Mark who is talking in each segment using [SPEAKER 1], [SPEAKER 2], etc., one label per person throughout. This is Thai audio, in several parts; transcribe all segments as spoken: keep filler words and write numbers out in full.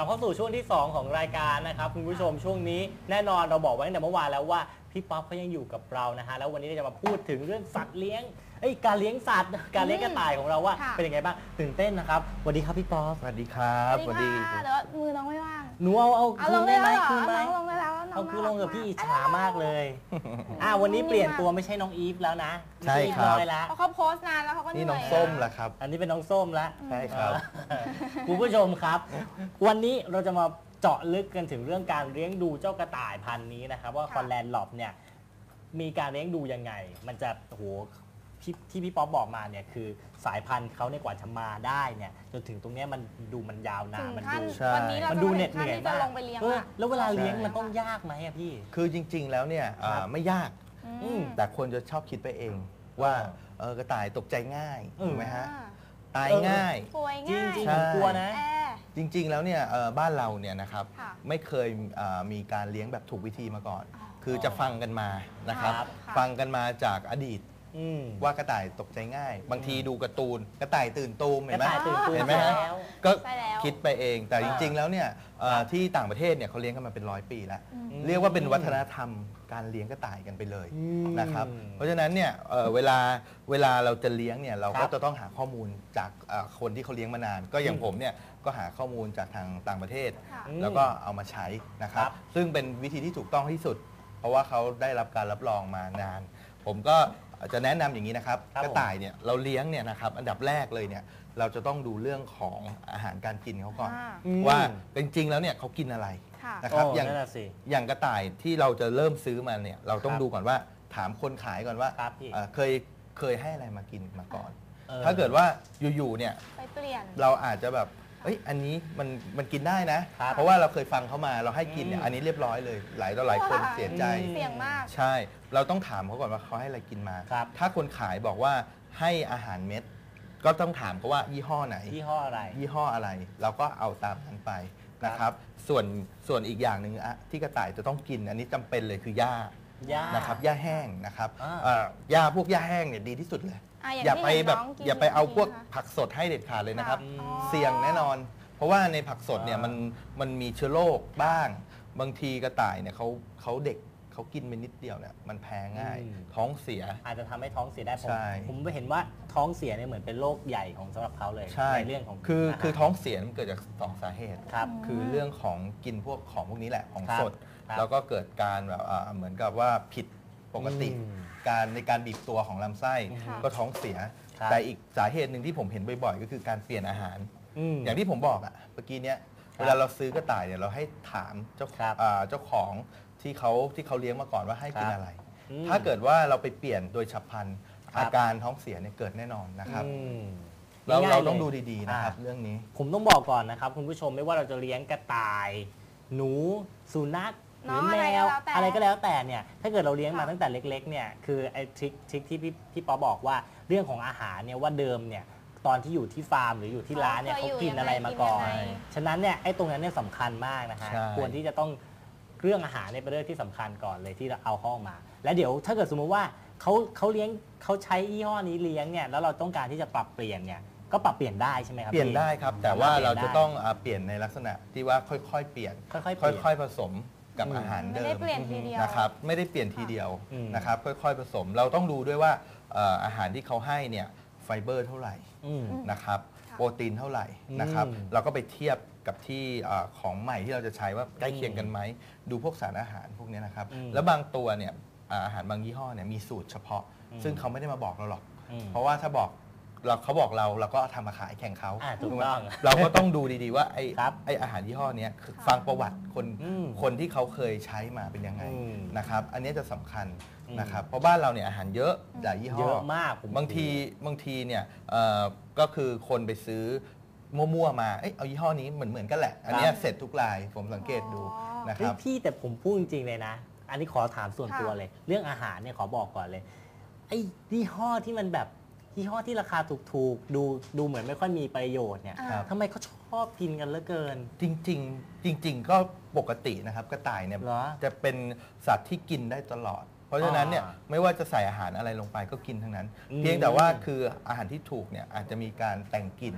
[SPEAKER 1] ลับเข้าสู่ช่วงที่สองของรายการนะครับคุณผู้ชมช่วงนี้แน่นอนเราบอกไว้ตั้งแต่เมื่อวานแล้วว่าพี่ป๊อปเขายังอยู่กับเรานะฮะแล้ววันนี้เราจะมาพูดถึงเรื่องสัตว์เลี้ยงเอ้ยการเลี้ยงสัตว์การเลี้ยงกระต่ายของเราว่าเป็นยังไงบ้างตื่นเต้นนะครับสวัสดีครับพี่ป๊อป
[SPEAKER 2] สวัสดีครับ
[SPEAKER 3] สวัสดีค่ะแต่ว่ามือน้องไม่ว่าง
[SPEAKER 1] หนูเอาเอา
[SPEAKER 3] เอา
[SPEAKER 1] คื
[SPEAKER 3] ล
[SPEAKER 1] น
[SPEAKER 3] ง
[SPEAKER 1] ได้
[SPEAKER 3] ได้
[SPEAKER 1] ไหม
[SPEAKER 3] แล้วเหรอ
[SPEAKER 1] คืนไหม
[SPEAKER 3] น้องลงได้แล้วน้อง
[SPEAKER 1] เอาคือลงกับพี่อิจฉา
[SPEAKER 3] อ่ะ
[SPEAKER 1] มากเลยอ่าวันนี้เปลี่ยนตัวไม่ใช่น้องอีฟแล้วนะ
[SPEAKER 2] ใช่ครับ
[SPEAKER 1] เรียบร้อยแล้ว
[SPEAKER 3] เพราะเขาโพสต์นานแล้วเขาก็เห
[SPEAKER 2] นี่
[SPEAKER 3] นื่อย
[SPEAKER 2] น้องส้มล่ะครับ
[SPEAKER 1] อันนี้เป็นน้องส้มแล้ว
[SPEAKER 2] ใช่ครับ
[SPEAKER 1] คุณผู้ชมครับ วันนี้เราจะมาเจาะลึกกันถึงเรื่องการเลี้ยงดูเจ้ากระต่ายพันธุ์นี้นะครับว่าคอนแลนด์หลอบเนี่ยมีการเลี้ยงดูยังไง มันจะโอ้โหที่ที่พี่ป๊อปบอกมาเนี่ยคือสายพันธุ์เขาเนี่ยกว่าจะมาได้เนี่ยจนถึงตรงเนี้ยมันดูมันยาวนาน
[SPEAKER 3] ถึง
[SPEAKER 1] มัน
[SPEAKER 3] ขั้น
[SPEAKER 1] ดู
[SPEAKER 2] ใช่
[SPEAKER 3] วันนี้เรา
[SPEAKER 1] มัน
[SPEAKER 3] จะ
[SPEAKER 1] ดู
[SPEAKER 3] มา
[SPEAKER 1] เหน็
[SPEAKER 3] ถึ
[SPEAKER 1] ด
[SPEAKER 3] ง
[SPEAKER 1] เห
[SPEAKER 3] ขั้น
[SPEAKER 1] นื่อย
[SPEAKER 3] ที่จะ
[SPEAKER 1] มาก
[SPEAKER 3] ลงไปเลี้ยง
[SPEAKER 1] เออ
[SPEAKER 3] ละ
[SPEAKER 1] แล้วเวลาเลี้ยง
[SPEAKER 2] ใช่
[SPEAKER 1] มันต้องยากไหมอะพี่
[SPEAKER 2] คือจริง ๆ แล้วเนี่ยอ่า
[SPEAKER 1] ครับ
[SPEAKER 2] ไม่ยาก
[SPEAKER 3] อืม
[SPEAKER 2] แต่คนจะชอบคิดไปเองว่าเออกระต่ายตกใจง่าย
[SPEAKER 1] เออ
[SPEAKER 2] ถูกไหมฮะ
[SPEAKER 3] อ่า
[SPEAKER 2] ตายง่าย
[SPEAKER 3] ป่วย
[SPEAKER 1] จริง
[SPEAKER 3] ง่าย
[SPEAKER 1] จริง
[SPEAKER 2] ใช่
[SPEAKER 1] ผมกลัวนะ
[SPEAKER 3] แอร์
[SPEAKER 2] จริง ๆ แล้วเนี่ยเอ่อบ้านเราเนี่ยนะครับ
[SPEAKER 3] ค่ะ
[SPEAKER 2] ไม่เคยอ่ามีการเลี้ยงแบบถูกวิธีมาก่อน คือจะฟังกันมานะครับ
[SPEAKER 1] ครับ
[SPEAKER 2] ฟังกันมาจากอดีต
[SPEAKER 1] อืม
[SPEAKER 2] ว่ากระต่ายตกใจง่าย บางทีดูการ์ตูนกระต่ายตื่นตูมเห็นไหม
[SPEAKER 1] กระต่ายตื่นตูม
[SPEAKER 2] เห็นไหมฮะ
[SPEAKER 1] แล้ว
[SPEAKER 2] ก็
[SPEAKER 3] ใช่แล้ว
[SPEAKER 2] คิดไปเอง แต่
[SPEAKER 1] อ่า
[SPEAKER 2] จริง ๆ แล้วเนี่ยเอ่อ
[SPEAKER 1] ครับ
[SPEAKER 2] ที่ต่างประเทศเนี่ยเขาเลี้ยงกันมาเป็นร้อยปีแล้ว
[SPEAKER 3] อืม
[SPEAKER 2] เรียกว่าเป็นวัฒนธรรมการเลี้ยงกระต่ายกันไปเลย
[SPEAKER 1] อืม
[SPEAKER 2] นะครับ เพราะฉะนั้นเนี่ยเอ่อเวลาเวลาเราจะเลี้ยงเนี่ยเรา
[SPEAKER 1] ค
[SPEAKER 2] ก็
[SPEAKER 1] รับ
[SPEAKER 2] จะต้องหาข้อมูลจากเอ่อคนที่เขาเลี้ยงมานาน ก็อย่างผมเนี่ยก็หาข้อมูลจากทางต่างประเทศ
[SPEAKER 3] ค่ะ
[SPEAKER 2] แล้วก็เอามาใช้นะครับ
[SPEAKER 1] ครับ
[SPEAKER 2] ซึ่งเป็นวิธีที่ถูกต้องที่สุด เพราะว่าเขาได้รับการรับรองมานาน ผมก็จะแนะนำอย่างนี้นะครับ
[SPEAKER 1] ครับ
[SPEAKER 2] กระต่ายเนี่ยเราเลี้ยงเนี่ยนะครับอันดับแรกเลยเนี่ยเราจะต้องดูเรื่องของอาหารการกินเขาก่อน
[SPEAKER 3] อ่า
[SPEAKER 1] อืม
[SPEAKER 2] ว่าจริงๆแล้วเนี่ยเขากินอะไร
[SPEAKER 3] ค่ะ
[SPEAKER 2] นะครับ
[SPEAKER 1] โอ้
[SPEAKER 2] อย่าง
[SPEAKER 1] นั่นน่ะสิ
[SPEAKER 2] อย่างกระต่ายที่เราจะเริ่มซื้อมาเนี่ยเราต้อง
[SPEAKER 1] ครับ
[SPEAKER 2] ดูก่อนว่าถามคนขายก่อนว่า
[SPEAKER 1] ครับพี่
[SPEAKER 2] เอ่อเคยเคยให้อะไรมากินมาก่อน
[SPEAKER 1] เออ
[SPEAKER 2] ถ้าเกิดว่าอยู่ๆเนี่ย
[SPEAKER 3] ไปเปลี่ยน
[SPEAKER 2] เราอาจจะแบบเอ้ยอันนี้มันมันกินได้นะ
[SPEAKER 1] ครับ
[SPEAKER 2] เพราะว่าเราเคยฟังเขามาเราให้กินเนี่ย
[SPEAKER 1] อืม
[SPEAKER 2] อันนี้เรียบร้อยเลยหลายต่อหลายคน
[SPEAKER 3] ว้า
[SPEAKER 2] เสียใจ
[SPEAKER 3] เสี่ยงมาก
[SPEAKER 2] ใช่ เราต้องถามเขาก่อนว่าเขาให้อะไรกินมา
[SPEAKER 1] ครับ
[SPEAKER 2] ถ้าคนขายบอกว่าให้อาหารเม็ด ก็ต้องถามเขาว่ายี่ห้อไหน
[SPEAKER 1] ยี่ห้ออะไร
[SPEAKER 2] ยี่ห้ออะไร เราก็เอาตามนั้นไปนะครับ ส่วนส่วนอีกอย่างหนึ่งอะที่กระต่ายจะต้องกิน อันนี้จำเป็นเลยคือหญ้า
[SPEAKER 1] หญ้า
[SPEAKER 2] นะครับหญ้าแห้งนะครับ
[SPEAKER 1] อ่า
[SPEAKER 2] เอ่อหญ้าพวกหญ้าแห้งเนี่ยดีที่สุดเลย
[SPEAKER 3] อ่ะอย่าง
[SPEAKER 2] อย่า
[SPEAKER 3] ที่
[SPEAKER 2] ไป
[SPEAKER 3] เห็น
[SPEAKER 2] แบบ
[SPEAKER 3] น้องกิน
[SPEAKER 2] อย่าไปเอาพวก
[SPEAKER 3] นะคะ
[SPEAKER 2] ผักสดให้เด็ดขาดเลยนะครับ
[SPEAKER 3] อ๋อ
[SPEAKER 2] เสี่ยงแน่นอน เพราะว่าในผักสดเนี่ย
[SPEAKER 1] อ่ามั
[SPEAKER 2] มันมันมีเชื้อโรคบ้าง บางทีกระต่ายเนี่ยเขาเขาเด็กเขากินไปนิดเดียวเนี่ยมันแพ้ง่าย
[SPEAKER 1] อืม
[SPEAKER 2] ท้องเสีย
[SPEAKER 1] อาจจะทำให้ท้องเสียได้ผม
[SPEAKER 2] ใช่
[SPEAKER 1] ผมเห็นว่าท้องเสียเนี่ยเหมือนเป็นโรคใหญ่ของสำหรับเขาเลย
[SPEAKER 2] ใช่
[SPEAKER 1] เรื่องของ
[SPEAKER 2] คือ
[SPEAKER 1] อาหาร
[SPEAKER 2] คือท้องเสียมันเกิดจากสองสาเหตุ
[SPEAKER 1] ครับ
[SPEAKER 2] คือเรื่องของกินพวกของพวกนี้แหละของ
[SPEAKER 1] ครับ
[SPEAKER 2] สด
[SPEAKER 1] ครับ
[SPEAKER 2] แล้วก็เกิดการแบบอ่าเหมือนกับว่าผิดปกติ
[SPEAKER 1] อืม
[SPEAKER 2] การในการบีบตัวของลำไส้
[SPEAKER 3] ค่ะ
[SPEAKER 2] ก็ท้องเสีย
[SPEAKER 1] ครับ
[SPEAKER 2] แต่อีกสาเหตุหนึ่งที่ผมเห็นบ่อยๆ ก็คือการเปลี่ยนอาหาร
[SPEAKER 1] อืม
[SPEAKER 2] อย่างที่ผมบอกอะเมื่อกี้เนี้ย
[SPEAKER 1] ครับ
[SPEAKER 2] เวลาเราซื้อกระต่ายเนี่ยเราให้ถามเจ้า
[SPEAKER 1] ครับ
[SPEAKER 2] อ่าเจ้าของที่เขาที่เขาเลี้ยงมาก่อนว่าให้กิน
[SPEAKER 1] ครับ
[SPEAKER 2] อะไร
[SPEAKER 1] อืม
[SPEAKER 2] ถ้าเกิดว่าเราไปเปลี่ยนโดยฉับพลัน
[SPEAKER 1] ครับ
[SPEAKER 2] อาการท้องเสียเนี่ยเกิดแน่นอนนะครับ
[SPEAKER 1] อืม
[SPEAKER 2] เรา
[SPEAKER 1] ง่ยๆ
[SPEAKER 2] เรา
[SPEAKER 1] ลย
[SPEAKER 2] ต้องดูดีๆนะครับ
[SPEAKER 1] อ่
[SPEAKER 2] เรื่องนี้
[SPEAKER 1] ผมต้องบอกก่อนนะครับคุณผู้ชมไม่ว่าเราจะเลี้ยงกระต่าย หนูสุนัขหรือ
[SPEAKER 3] น้อง
[SPEAKER 1] แม
[SPEAKER 3] อะไรก็
[SPEAKER 1] ว
[SPEAKER 3] แล้วแต่
[SPEAKER 1] อะไรก็แล้วแต่เนี่ยถ้าเกิดเราเลี้ยงมา
[SPEAKER 3] ค่ะ
[SPEAKER 1] ตั้งแต่เล็กๆเนี่ยคือไอ้ทริคทริคที่พี่พี่ป๊อบอกว่าเรื่องของอาหารเนี่ยว่าเดิมเนี่ยตอนที่อยู่ที่ฟาร์มหรืออยู่ที่ร้านเนี่ย
[SPEAKER 3] เขา
[SPEAKER 1] เขา
[SPEAKER 3] เคยอยู่
[SPEAKER 1] กินอะไรมาก่อน
[SPEAKER 3] ยังไง
[SPEAKER 1] ฉะนั้นเนี่ยไอ้ตรงนั้นเนี่ยสำคัญมากนะฮะ
[SPEAKER 2] ใช่
[SPEAKER 1] ควรที่จะต้องเรื่องอาหารเนี่ยเป็นเรื่องที่สำคัญก่อนเลยที่เราเอาเข้ามา แล้วเดี๋ยวถ้าเกิดสมมุติว่าเขาเขาเลี้ยงเขาใช้ยี่ห้อนี้เลี้ยงเนี่ยแล้วเราต้องการที่จะปรับเปลี่ยนเนี่ยก็ปรับเปลี่ยนได้ใช่ไหมครับ
[SPEAKER 2] เปลี่ยน
[SPEAKER 1] พี่
[SPEAKER 2] ได้ครับ แต่ว่า
[SPEAKER 1] ปลี่ยน
[SPEAKER 2] เราจะ
[SPEAKER 1] ได้
[SPEAKER 2] ต้องอ่าเปลี่ยนในลักษณะที่ว่าค่อยๆ เปลี่ยน
[SPEAKER 1] ค่อยๆเปลี่ยน
[SPEAKER 2] ค่อยๆผสมกับ
[SPEAKER 1] อืม
[SPEAKER 2] อาหาร
[SPEAKER 3] ไม่
[SPEAKER 2] เดิ
[SPEAKER 3] ได้
[SPEAKER 2] ม
[SPEAKER 3] เปลี่ยนทีเดียว
[SPEAKER 2] นะครับไม่ได้เปลี่ยนทีเดียว
[SPEAKER 1] อืม
[SPEAKER 2] นะครับค่อยๆ ผสม เราต้องดูด้วยว่าเอ่ออาหารที่เขาให้เนี่ยไฟเบอร์เท่าไหร่
[SPEAKER 1] อืม
[SPEAKER 2] นะครับ
[SPEAKER 3] ค่ะ
[SPEAKER 2] โปรตีนเท่าไหร่นะครับ
[SPEAKER 1] อืม
[SPEAKER 2] เราก็ไปเทียบกับที่เอ่อของใหม่ที่เราจะใช้ว่าใกล้เคียงกันไหมดูพวกสารอาหารพวกเนี้ยนะครับ
[SPEAKER 1] อืม
[SPEAKER 2] แล้วบางตัวเนี่ยอ่าอาหารบางยี่ห้อเนี่ยมีสูตรเฉพาะ
[SPEAKER 1] อืม
[SPEAKER 2] ซึ่งเขาไม่ได้มาบอกเราหรอก
[SPEAKER 1] อืม
[SPEAKER 2] เพราะว่าถ้าบอกเราเขาบอกเราเราก็ทำมาขายแข่งเขา
[SPEAKER 1] อ่าถูก
[SPEAKER 2] ไหม
[SPEAKER 1] ต้อง
[SPEAKER 2] เราก็ต้องดูดีๆว่าไอ้
[SPEAKER 1] ครับ
[SPEAKER 2] ไอ้อาหารยี่ห้อเนี้ยคือฟังประวัติคน
[SPEAKER 1] อืม
[SPEAKER 2] คนที่เขาเคยใช้มาเป็นยังไง
[SPEAKER 1] อืม
[SPEAKER 2] นะครับ อันนี้จะสำคัญ
[SPEAKER 1] อืม
[SPEAKER 2] นะครับเพราะบ้านเราเนี่ยอาหารเยอะหลายยี่ห้อ
[SPEAKER 1] เยอะมากผม
[SPEAKER 2] บางทีบางทีเนี่ยเอ่อก็คือคนไปซื้อมั่วๆมาเอ้ยเอายี่ห้อนี้เหมือนเหมือนกันแหละ อันเนี้ยเสร็จทุกรายผมสังเกตดู
[SPEAKER 3] อ๋อ
[SPEAKER 2] นะค
[SPEAKER 1] เฮ้ย
[SPEAKER 2] รับ
[SPEAKER 1] พี่แต่ผมพูดจริงๆเลยนะ อันนี้ขอถามส่วน
[SPEAKER 3] ค่ะ
[SPEAKER 1] ตัวเลย เรื่องอาหารเนี่ยขอบอกก่อนเลย ไอ้ยี่ห้อที่มันแบบยี่ห้อที่ราคาถูกๆ ดูดูเหมือนไม่ค่อยมีประโยชน์เนี่ย
[SPEAKER 3] อ่า
[SPEAKER 1] ทำไมเขาชอบกินกันเหลือเกิน
[SPEAKER 2] จริงๆ จริง ๆ ก็ปกตินะครับกระต่ายเนี่ย
[SPEAKER 1] เหรอ
[SPEAKER 2] จะเป็นสัตว์ที่กินได้ตลอด เพราะฉะนั้นเนี่ย
[SPEAKER 1] อ่า
[SPEAKER 2] ไม่ว่าจะใส่อาหารอะไรลงไปก็กินทั้งนั้น
[SPEAKER 1] อืม
[SPEAKER 2] เพียงแต่ว่าคืออาหารที่ถูกเนี่ยอาจจะมีการแต่งกลิ่น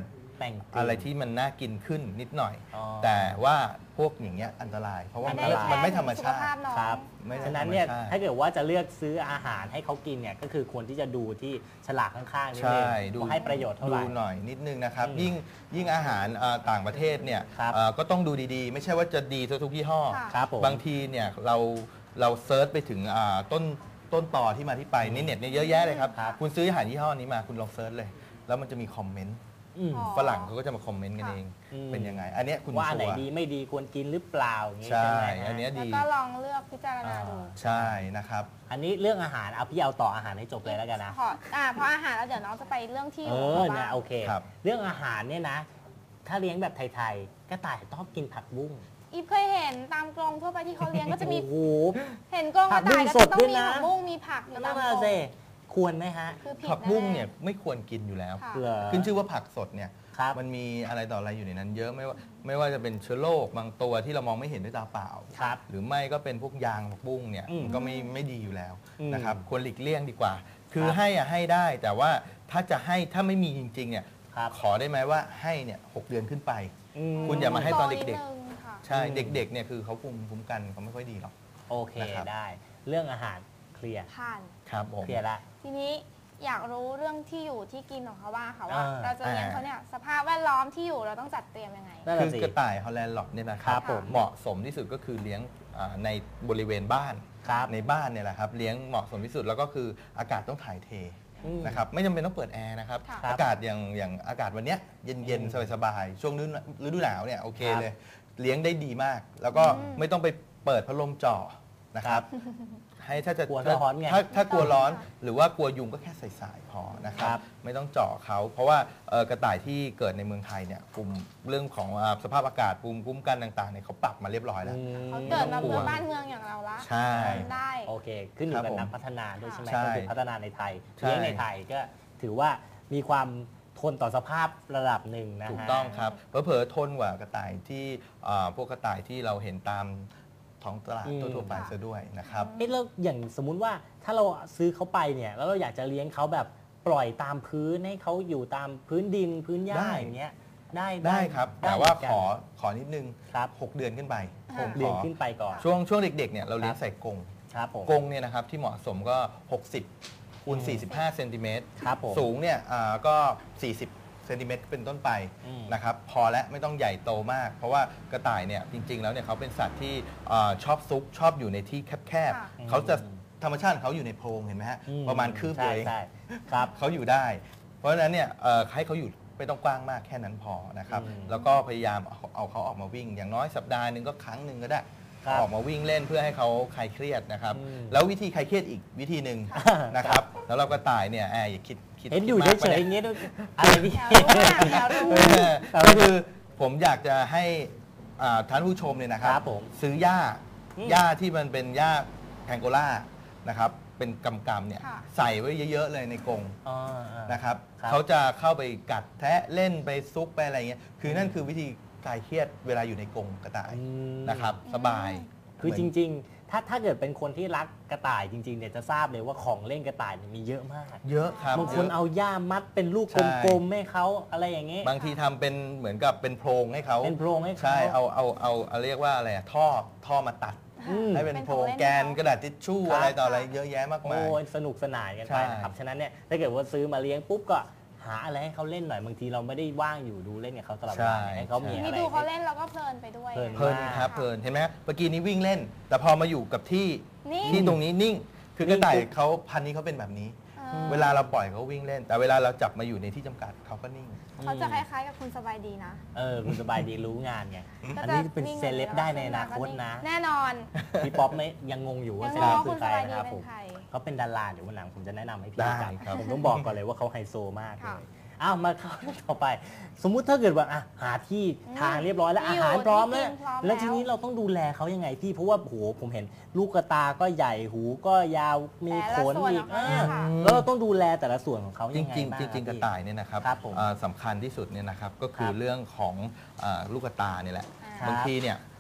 [SPEAKER 1] แต่งกลิ่น
[SPEAKER 2] อะไรที่มันน่ากินขึ้นนิดหน่อย
[SPEAKER 1] อ๋อ
[SPEAKER 2] แต่ว่าพวกอย่างเงี้ยอันตราย เพราะว่า
[SPEAKER 3] อั
[SPEAKER 2] มัน น
[SPEAKER 3] นี้
[SPEAKER 2] มันไม่ธรรม
[SPEAKER 3] สุข
[SPEAKER 2] ชาติ
[SPEAKER 3] ภาพน้อง
[SPEAKER 1] ครับ
[SPEAKER 2] ไม่ได้
[SPEAKER 1] ฉะนั้นเนี่ย
[SPEAKER 2] ธรรมชาติ
[SPEAKER 1] ถ้าเกิดว่าจะเลือกซื้ออาหารให้เขากินเนี่ยก็คือควรที่จะดูที่ฉลากข้างๆนิดนึง
[SPEAKER 2] ใช่ดู
[SPEAKER 1] ว่าให้ประโยชน์เท่าไหร่
[SPEAKER 2] ดูหน่อยนิดนึงนะครับ
[SPEAKER 1] อืม
[SPEAKER 2] ยิ่งยิ่งอาหารเอ่อต่างประเทศเนี่ย
[SPEAKER 1] ครับ
[SPEAKER 2] เอ่อก็ต้องดูดีๆ ไม่ใช่ว่าจะดีทุกยี่ห้อ
[SPEAKER 3] ค่ะ
[SPEAKER 1] ครับผม
[SPEAKER 2] บางทีเนี่ยเราเราเซิร์ชไปถึงอ่าต้นต้นต่อที่มาที่ไปในเน็ตเนี่ยเยอะแยะเลยครับ
[SPEAKER 1] ครับ
[SPEAKER 2] คุณซื้ออาหารยี่ห้อนี้มาคุณลองเซิร์ชเลย แล้วมันจะมีคอมเมนต์
[SPEAKER 1] อืม
[SPEAKER 3] อ๋อ
[SPEAKER 2] ฝรั่งเขาก็จะมาคอมเมนต์กัน
[SPEAKER 3] ค่ะ
[SPEAKER 2] เอง
[SPEAKER 1] อืม
[SPEAKER 2] เป็นยังไง อันเนี้ยคุณ
[SPEAKER 1] ว่าอันไหน
[SPEAKER 2] ชัวร์
[SPEAKER 1] ดีไม่ดีควรกินหรือเปล่าอย่างงี้
[SPEAKER 2] ใช่
[SPEAKER 1] ใช่ไหมฮะ
[SPEAKER 2] อันเนี้ย
[SPEAKER 3] แล้ว
[SPEAKER 2] ดี
[SPEAKER 3] ก็ลองเลือกพิจารณาดู
[SPEAKER 1] อ่า
[SPEAKER 2] ใช่นะครับ
[SPEAKER 1] อันนี้เรื่องอาหารเอาพี่เอาต่ออาหารให้จบเลยแล้วกันนะ
[SPEAKER 3] ขออ่าเพราะอาหารแล้วเดี๋ยวน้องจะไปเรื่องที่อ
[SPEAKER 1] เอยู่ อ
[SPEAKER 3] ของ
[SPEAKER 1] นะ
[SPEAKER 3] บ้าน
[SPEAKER 1] โอเค
[SPEAKER 2] ครับ
[SPEAKER 1] เรื่องอาหารเนี่ยนะ ถ้าเลี้ยงแบบไทยๆกระต่ายชอบกินผักบุ้ง
[SPEAKER 3] อีฟเคยเห็นตามกรงทั่วไปที่เขาเลี้ยงก็จะมี
[SPEAKER 1] โอ้โห
[SPEAKER 3] เห็นกรงกระต่ายก็
[SPEAKER 1] ผักบุ้งสด
[SPEAKER 3] จะต้อง
[SPEAKER 1] ด้วย
[SPEAKER 3] มี
[SPEAKER 1] นะ
[SPEAKER 3] ผักบุ้งมีผักอยู่
[SPEAKER 1] นั่
[SPEAKER 3] ตาม
[SPEAKER 1] น
[SPEAKER 3] กร
[SPEAKER 1] น่ะ
[SPEAKER 3] ง
[SPEAKER 1] สิควรไหมฮะ
[SPEAKER 3] คือผิด
[SPEAKER 2] ผักบุ้ง
[SPEAKER 3] แๆ
[SPEAKER 2] เนี่ยไม่ควรกินอยู่แล้ว
[SPEAKER 3] ค่ะ
[SPEAKER 1] เหรอ
[SPEAKER 2] ขึ้นชื่อว่าผักสดเนี่ย
[SPEAKER 1] ครับ
[SPEAKER 2] มันมีอะไรต่ออะไรอยู่ในนั้น เยอะไม่ว่าไม่ว่าจะเป็นเชื้อโรคบางตัวที่เรามองไม่เห็นด้วยตาเปล่า
[SPEAKER 1] ครับ
[SPEAKER 2] หรือไม่ก็เป็นพวกยางผักบุ้งเนี่ย
[SPEAKER 1] อืม
[SPEAKER 2] ก็ไม่ไม่ดีอยู่แล้ว
[SPEAKER 1] อืม
[SPEAKER 2] นะครับควรหลีกเลี่ยงดีกว่า คือ
[SPEAKER 1] ครับ
[SPEAKER 2] ให้อะให้ได้ แต่ว่าถ้าจะให้ถ้าไม่มีจริงๆเนี่ย
[SPEAKER 1] ครับ
[SPEAKER 2] ขอได้ไหมว่าให้เนี่ยหกเดือนขึ้นไป
[SPEAKER 1] อืม
[SPEAKER 2] คุณอย่ามาให้ตอนเด็ก
[SPEAKER 3] โนินึงค่ะ
[SPEAKER 2] ใช่
[SPEAKER 1] อืม
[SPEAKER 2] เด็กๆเนี่ยคือเขาภูมิคุ้มกันเขาไม่ค่อยดีหรอก
[SPEAKER 1] โอเค
[SPEAKER 2] นะครับ
[SPEAKER 1] ได้ เรื่องอาหารเคลียร์
[SPEAKER 3] ผ่าน
[SPEAKER 2] ครับผม
[SPEAKER 1] เคลียร์ละ
[SPEAKER 3] ทีนี้อยากรู้เรื่องที่อยู่ที่กินของเขาบ้างค่ะว่า
[SPEAKER 1] อ่า
[SPEAKER 3] เราจะเลี้ยงเขาเนี่ยสภาพแวดล้อมที่อยู่เราต้องจัดเตรียมยังไง
[SPEAKER 1] นั่น
[SPEAKER 2] คื
[SPEAKER 1] น่ะ
[SPEAKER 2] อ
[SPEAKER 1] สิ
[SPEAKER 2] กระต่ายฮอลแลนด์หลอบเนี่ยนะค
[SPEAKER 1] ครั
[SPEAKER 2] รับบ
[SPEAKER 1] ผม
[SPEAKER 2] เหมาะสมที่สุดก็คือเลี้ยงอ่าในบริเวณบ้าน
[SPEAKER 1] ครับ
[SPEAKER 2] ในบ้านเนี่ยแหละครับเลี้ยงเหมาะสมที่สุดแล้วก็คืออากาศต้องถ่ายเท
[SPEAKER 1] อืม
[SPEAKER 2] นะครับไม่จำเป็นต้องเปิดแอร์นะครับ
[SPEAKER 3] ค่ะ
[SPEAKER 2] อากาศอย่างอย่างอากาศวันเนี้ยเย็น
[SPEAKER 1] อื
[SPEAKER 2] เย็น
[SPEAKER 1] ม
[SPEAKER 2] สบายๆช่วงฤดูฤดูหนาวเนี่ยโอเค
[SPEAKER 1] ครับ
[SPEAKER 2] เลย เลี้ยงได้ดีมาก แล้วก็
[SPEAKER 3] อืม
[SPEAKER 2] ไม่ต้องไปเปิดพัดลมจ่อนะครับ
[SPEAKER 1] ครับ
[SPEAKER 2] ให้ถ้าจะ
[SPEAKER 1] กลัว
[SPEAKER 2] ถ้า
[SPEAKER 1] ร้อนไง
[SPEAKER 2] ถ้าถ้ากลัวร้อน
[SPEAKER 3] ไม่ต้องค่ะ
[SPEAKER 2] หรือว่ากลัวยุงก็แค่ใส่สายพอนะครั
[SPEAKER 1] ครับ บ
[SPEAKER 2] ไม่ต้องเจาะเขาเพราะว่าเอ่อกระต่ายที่เกิดในเมืองไทยเนี่ยกลุ่มเรื่องของอ่าสภาพอากาศภูมิคุ้มกันต่างๆเนี่ยเขาปรับมาเรียบร้อยแล้ว
[SPEAKER 1] อืม
[SPEAKER 3] เขาเกิดมา
[SPEAKER 2] ไม่ต้องกลั
[SPEAKER 3] เมื
[SPEAKER 2] ว
[SPEAKER 3] องบ้านเมืองอย่างเราละ
[SPEAKER 2] ใช่
[SPEAKER 3] ทำได้
[SPEAKER 1] โอเค ขึ้นอยู่
[SPEAKER 2] ครั
[SPEAKER 1] กับบ
[SPEAKER 2] ผม
[SPEAKER 1] นักพัฒนาด้วยใช่ไหม
[SPEAKER 2] ใช่
[SPEAKER 1] ก็คือพัฒนาในไทย
[SPEAKER 2] ใช่
[SPEAKER 1] เลี้ยงในไทยก็ถือว่ามีความทนต่อสภาพระดับหนึ่งนะฮะ
[SPEAKER 2] ถูกต้องครับเผลอๆทนกว่ากระต่ายที่อ่าพวกกระต่ายที่เราเห็นตามท้องตลาด
[SPEAKER 1] อืม
[SPEAKER 2] ทั่วๆไปซะด้วยนะครับ
[SPEAKER 1] เอ๊ะแล้วอย่างสมมุติว่าถ้าเราซื้อเขาไปเนี่ยแล้วเราอยากจะเลี้ยงเขาแบบปล่อยตามพื้นให้เขาอยู่ตามพื้นดินพื้นหญ้า
[SPEAKER 2] ได้
[SPEAKER 1] อย่างเงี้ยได้
[SPEAKER 2] ได้ครับ
[SPEAKER 1] ได้
[SPEAKER 2] แต่ว่า
[SPEAKER 1] เหมืนกัน
[SPEAKER 2] ขอขอนิดนึง
[SPEAKER 1] ครับ
[SPEAKER 2] หกเดือนขึ้นไป
[SPEAKER 3] อ่า
[SPEAKER 2] ผม
[SPEAKER 1] เรียน
[SPEAKER 2] ขอ
[SPEAKER 1] ขึ้นไปก่อน
[SPEAKER 2] ช่วงช่วงเด็กๆเนี่ยเราเลี้ยง
[SPEAKER 1] ครับ
[SPEAKER 2] ใส่กรง
[SPEAKER 1] ครับผม
[SPEAKER 2] กรงเนี่ยนะครับที่เหมาะสมก็ หกสิบคูณ
[SPEAKER 1] อืม
[SPEAKER 2] สี่สิบห้าเซนติเมตร
[SPEAKER 1] ครับผม
[SPEAKER 2] สูงเนี่ยอ่าก็ สี่สิบเซนติเมตรเป็นต้นไป
[SPEAKER 1] อืม
[SPEAKER 2] นะครับพอและไม่ต้องใหญ่โตมาก เพราะว่ากระต่ายเนี่ยจริง ๆ แล้วเนี่ยเขาเป็นสัตว์ที่อ่าชอบซุกชอบอยู่ในที่แคบ
[SPEAKER 3] ค่ะ
[SPEAKER 2] ๆเขาจะธรรมชาติของเขาอยู่ในโพรงเห็นไหมฮะ
[SPEAKER 1] อื
[SPEAKER 2] ประมาณคืบ
[SPEAKER 1] ใช่
[SPEAKER 2] เอง
[SPEAKER 1] ใช่ครับ
[SPEAKER 2] เขาอยู่ได้ เพราะฉะนั้นเนี่ยเอ่อให้เขาอยู่ไม่ต้องกว้างมากแค่นั้นพอนะครับ
[SPEAKER 1] อืม
[SPEAKER 2] แล้วก็พยายามเอาเอาเขาออกมาวิ่ง อย่างน้อยสัปดาห์หนึ่งก็ครั้งหนึ่งก็ได้
[SPEAKER 1] ครับ
[SPEAKER 2] ออกมาวิ่งเล่นเพื่อให้เขาคลายเครียดนะครับ
[SPEAKER 1] อืม
[SPEAKER 2] แล้ววิธีคลายเครียดอีกวิธีหนึ่งนะครับ แล้วเราก็ตายเนี่ยแอบอย่าคิดคิด
[SPEAKER 1] เห็นอยู่
[SPEAKER 2] คิดมาก
[SPEAKER 1] เฉยๆ
[SPEAKER 2] ไป
[SPEAKER 1] อย่าง
[SPEAKER 2] นี่
[SPEAKER 1] เงี้ยด้วยอะไรนี่
[SPEAKER 3] อยากรู้อะอยากรู้
[SPEAKER 2] เออก็คือผมอยากจะให้อ่าท่านผู้ชมเนี่ยนะครั
[SPEAKER 1] ครับ บผม
[SPEAKER 2] ซื้อหญ้า
[SPEAKER 1] อืม
[SPEAKER 2] หญ้าที่มันเป็นหญ้าแพงโกล่านะครับเป็นกำกำๆเนี่ย
[SPEAKER 3] ค่ะ
[SPEAKER 2] ใส่ไว้เยอะๆเลยในกรง
[SPEAKER 1] อ๋ออ่า
[SPEAKER 2] นะครับ
[SPEAKER 1] ครับ
[SPEAKER 2] เขาจะเข้าไปกัดแทะเล่นไปซุกไปอะไรเงี้ยคือนั่นคือวิธีคลายเครียดเวลาอยู่ในกรงกระต่าย
[SPEAKER 1] อืม
[SPEAKER 2] นะครับสบาย
[SPEAKER 1] คือ
[SPEAKER 2] เห
[SPEAKER 1] จ
[SPEAKER 2] มืน
[SPEAKER 1] ริงๆ ถ้าถ้าเกิดเป็นคนที่รักกระต่ายจริงๆเนี่ยจะทราบเลยว่าของเล่นกระต่ายเนี่ยมีเยอะมาก
[SPEAKER 2] เยอะครับ
[SPEAKER 1] บางคน
[SPEAKER 2] ยะ
[SPEAKER 1] เอาย่ามมัดเป็นลูก
[SPEAKER 2] ใช่
[SPEAKER 1] กลมๆให้เขาอะไรอย่างเงี้ย
[SPEAKER 2] บางทีทำเป็นเหมือนกับเป็นโพรงให้เขา
[SPEAKER 1] เป็นโพรงให้เขา
[SPEAKER 2] ใช่เอาเอาเอาเอาเรียกว่าอะไรอะท่อท่อมาตัด
[SPEAKER 1] อืม
[SPEAKER 2] ให้เป็น
[SPEAKER 3] เป็น
[SPEAKER 2] โพรง
[SPEAKER 3] ของเล่น
[SPEAKER 2] แกนกระดาษทิชชู่
[SPEAKER 1] ครับ
[SPEAKER 2] อะไรต่ออะไรเยอะแยะมากมาย
[SPEAKER 1] โอ้ยสนุกสนานกันไป
[SPEAKER 2] ใช่
[SPEAKER 1] นะครับ ฉะนั้นเนี่ยถ้าเกิดว่าซื้อมาเลี้ยงปุ๊บก็หาอะไรให้เขาเล่นหน่อยบางทีเราไม่ได้ว่างอยู่ดูเล่นกับเขาตลอดเวลาเนี่ยให้เขามี
[SPEAKER 3] นี่
[SPEAKER 1] อะไร
[SPEAKER 3] ดูเขาเล่นเราก็เพลินไปด้วย
[SPEAKER 1] เพลิน
[SPEAKER 2] เพลินครับเพลินเห็นไหมเมื่อกี้นี้วิ่งเล่น แต่พอมาอยู่กับที่
[SPEAKER 3] นี่
[SPEAKER 2] ที่ตรงนี้นิ่ง คือกระต่ายเขาพันธุ์นี้เขาเป็นแบบนี้
[SPEAKER 3] ออ
[SPEAKER 2] เวลาเราปล่อยเขาวิ่งเล่น แต่เวลาเราจับมาอยู่ในที่จำกัดเขาก็นิ่ง
[SPEAKER 3] เขาจะคล้ายๆกับคุณสบายดีนะ
[SPEAKER 1] เออคุณสบายดีรู้งานไง
[SPEAKER 3] ก็
[SPEAKER 1] อัน
[SPEAKER 3] จะ
[SPEAKER 1] นี้เป็น
[SPEAKER 3] นิ่ง
[SPEAKER 1] เซเลบได้ในอนาคตนะ
[SPEAKER 3] แน่นอน
[SPEAKER 1] พี่ป๊อปไม่ยังงงอยู่ว่า
[SPEAKER 3] ยัง
[SPEAKER 1] เซ
[SPEAKER 3] ง
[SPEAKER 1] เล
[SPEAKER 3] ง
[SPEAKER 1] บ
[SPEAKER 3] ว่า
[SPEAKER 1] คื
[SPEAKER 3] คุ
[SPEAKER 1] อ
[SPEAKER 3] ณ
[SPEAKER 1] ใค
[SPEAKER 3] ส
[SPEAKER 1] ร
[SPEAKER 3] บายดี
[SPEAKER 1] นะครับ
[SPEAKER 3] เป็
[SPEAKER 1] ผ
[SPEAKER 3] น
[SPEAKER 1] ม
[SPEAKER 3] ใคร
[SPEAKER 1] เขาเป็นดาราเดี๋ยววันหลังผมจะแนะนำให้พี่
[SPEAKER 2] ได้
[SPEAKER 1] รู้จัก
[SPEAKER 2] ครับ
[SPEAKER 1] ผมต้องบอกก่อนเลยว่าเขาไฮโซมากเล
[SPEAKER 3] ค่ะ
[SPEAKER 1] ยอ้าวมาเข้าเรื่องต่อไป สมมุติถ้าเกิดว่าอ่ะหาที่
[SPEAKER 3] อืม
[SPEAKER 1] ทางเรียบร้อยแล้ว
[SPEAKER 3] ที่
[SPEAKER 1] อา
[SPEAKER 3] อยู่
[SPEAKER 1] หารพร้อม
[SPEAKER 3] ที่
[SPEAKER 1] แล้ว
[SPEAKER 3] กินพร้อม
[SPEAKER 1] แล้วทีนี้
[SPEAKER 3] แล้ว
[SPEAKER 1] เราต้องดูแลเขายังไงพี่เพราะว่าโหผมเห็นลูกกระตาก็ใหญ่หูก็ยาวมี
[SPEAKER 3] แต่
[SPEAKER 1] ข
[SPEAKER 3] ละ
[SPEAKER 1] น
[SPEAKER 3] ส่วน
[SPEAKER 1] อีก
[SPEAKER 3] ออกมา
[SPEAKER 1] อ่า
[SPEAKER 3] ค่ะ
[SPEAKER 1] แล้วเราต้องดูแลแต่ละส่วนของเขา
[SPEAKER 2] จ
[SPEAKER 1] ยังไง
[SPEAKER 2] ริง
[SPEAKER 1] บ้าง
[SPEAKER 2] ๆจริงๆกระ
[SPEAKER 1] พี่
[SPEAKER 2] ต่ายเนี่ยนะครับ
[SPEAKER 1] ครับผม
[SPEAKER 2] อ่าสำคัญที่สุดเนี่ยนะครับก็คือ
[SPEAKER 1] ครับ
[SPEAKER 2] เรื่องของอ่าลูกกระตาเนี่ยแหละ
[SPEAKER 3] ครับ
[SPEAKER 2] บางทีเนี่ย